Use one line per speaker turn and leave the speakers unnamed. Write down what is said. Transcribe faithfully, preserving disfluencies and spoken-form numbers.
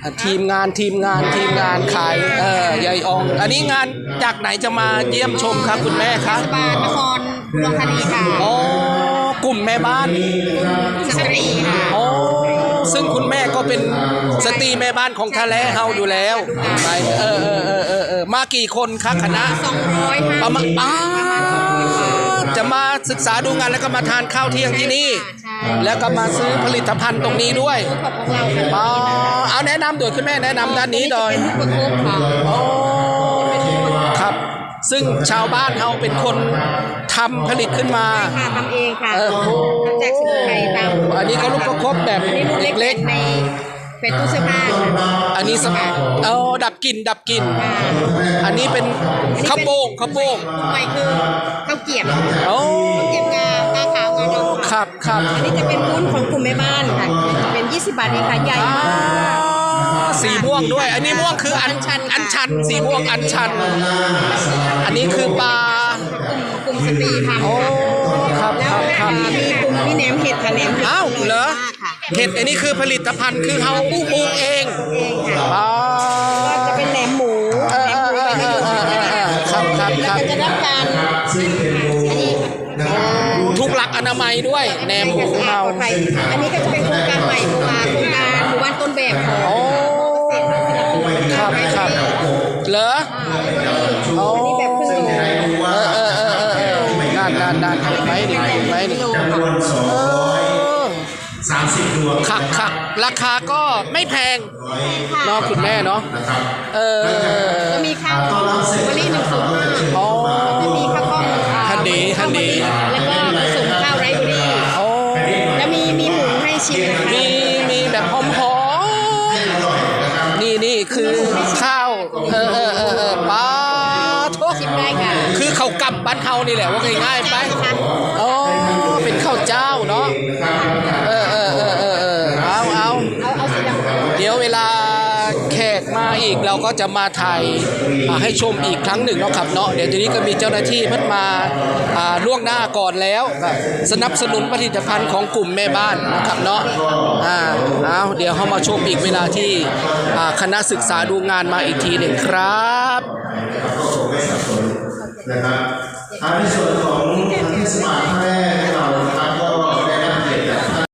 ทีมงานทีมงานทีมงานขายเออยายอองอันนี้งานจากไหนจะมาเยี่ยมชมครับคุณแม่ครับ
บาลนครอุดรธานีค่ะ
โอ้กลุ่มแม่บ้าน
สตรีค่ะ
โอ้ซึ่งคุณแม่ก็เป็นสตรีแม่บ้านของทะเลเฮาอยู่แล้วไปเออเออเออเออเออมากี่คนครับคณะ
สองร้อย
ประมาณอ้าจะมาศึกษาดูงานแล้วก็มาทานข้าวเที่ยงที่นี่แล้วก็มาซื้อผลิตภัณฑ์ตรงนี้ด้วยอ๋อเอาแนะนำโดยคุณแม่แนะนำด้านนี้โดยโอ้ครับซึ่งชาวบ้านเราเป็นคนทำผลิตขึ้นมา
ค่ะทำเองค่ะทำจากสมุนไพรตาม
อันนี้ก็ลูกประคบแบบเล็กๆ
ในเป็นตู้เสื้อผ้า
อันนี้สเอาดับกลิ่นดับกลิ่นอันนี้เป็นข้าวโป่งข้าวโป่ง
ใหม่คือข้าวเกี๊ยว
โอ้
เกี๊ยวงาตาขาวงาดำ
ครับครับ
อันนี้จะเป็นวุ้นของกลุ่มแม่บ้านค่ะจะเป็นยี่สิบบาทเองค่ะใหญ่มาก
สีม่วงด้วยอันนี้ม่วงคืออันชันอันชันสีม่วงอันชันอันนี้คือปลาก
ลุ่มสตรีทำ
โอ้ครับครับครับ
มีกลุ่มมีแหนมเห็ดค่ะแหนมเห็ด
อ้าวเหรอเห็ดอันนี้คือผลิตภัณฑ์คือเขาปลูกเอง
เองค่ะก็จะเป็นแหนมหมู
แหนมหมูไปให้ดูครับครับครับ
จะรับการอันนี้
ทุกหลักอนามัยด้วยแหนมหมูเรา
อันนี้ก็จะเป็นโครงการใหม่มาโครงการหมู่บ้านต้นแบบของ
ครับครับเหรอโอ้
แบบครึ่งโล
เออเออเออเออเออนานนานนานเห็นไหมนี่เห็นไหมนี่
สามสิบดวง
ขักขักราคาก็ไม่แพงเนาะคุณแม่เนาะเออ
จะมีข้าววันนี้หนึ่งสูตร
อ๋อ
จะมีข้าวกล้อง
ฮันดีฮันดี
แล้วก็ผสมข้าวไรซ์เบอรี่
โอ้
แล้วมีมีหมูให้ชิม
มีมีแบบหอมหอมนี่นี่คือข้าวเออเออเออเออปลาทุก
ชิมได้ค่ะ
คือข้าวกำบ้านเฮานี่แหละว่าง่ายๆไปโอ้เป็นข้าวเจ้าเนาะเออเออเออเออเออเอาเอาเดี๋ยวเวลาแขกมาอีกเราก็จะมาถ่ายให้ชมอีกครั้งหนึ่งเนาะครับเนาะเดี๋ยวทีนี้ก็มีเจ้าหน้าที่เพิ่งมาล่วงหน้าก่อนแล้วสนับสนุนผลิตภัณฑ์ของกลุ่มแม่บ้านนะครับเนาะอ่าเอาเดี๋ยวเขามาชมอีกเวลาที่คณะศึกษาดูงานมาอีกทีหนึ่งครับ
นะครับในส่วนของเทศบาลท่าแร่เรา